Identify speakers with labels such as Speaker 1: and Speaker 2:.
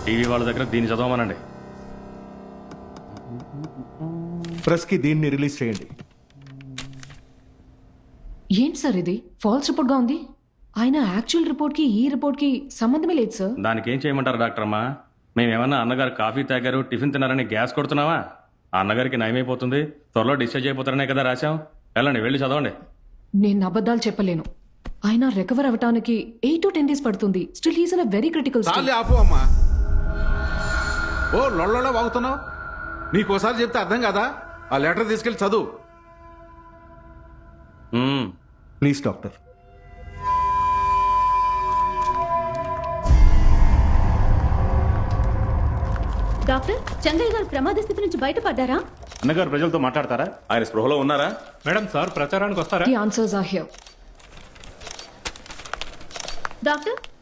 Speaker 1: TV వాళ్ళ దగ్గర దీన్ని చదవమనండి.
Speaker 2: ప్రెస్కి దీన్ని రిలీజ్ చేయండి.
Speaker 3: ఏంటి సార్ ఇది ఫాల్స్ రిపోర్ట్ గా ఉంది? ఆయన యాక్చువల్ రిపోర్ట్ కి ఈ రిపోర్ట్ కి సంబంధమే లేదు సార్.
Speaker 1: దానికి ఏం చేయమంటారు డాక్టర్ అమ్మా? మేమేమన్నా అన్నగారు కాఫీ తాగారు, టిఫిన్ తిన్నారని గ్యాస్ కొడుతున్నావా? ఆ అన్నగారికి నయమైపోతుంది, త్వరలో డిశ్చార్జ్ అయిపోతారనే కదా రాశాం. వెళ్ళండి, వెళ్ళి చదవండి.
Speaker 3: నేను అబద్ధాలు చెప్పలేను. ఆయన రికవర్ అవ్వటానికి 8 to 10 days పడుతుంది. Still he's in a very critical
Speaker 4: చాలు ఆపు అమ్మా. ఓ లొళ్ళలో వాగుతున్నావు. నీకోసారి చెప్తే అర్థం కదా. ఆ లెటర్ తీసుకెళ్ళి చదువు.
Speaker 2: Please doctor.
Speaker 5: డాక్టర్, చంగయ్య గారు ప్రమాద స్థితి నుంచి బయటపడ్డారా?
Speaker 6: అన్నగారు ప్రజలతో మాట్లాడతారా? ఆయన స్పృహలో ఉన్నారా?
Speaker 7: మేడం సార్ ప్రచారానికి వస్తారా?
Speaker 3: The answers are here.
Speaker 5: Doctor,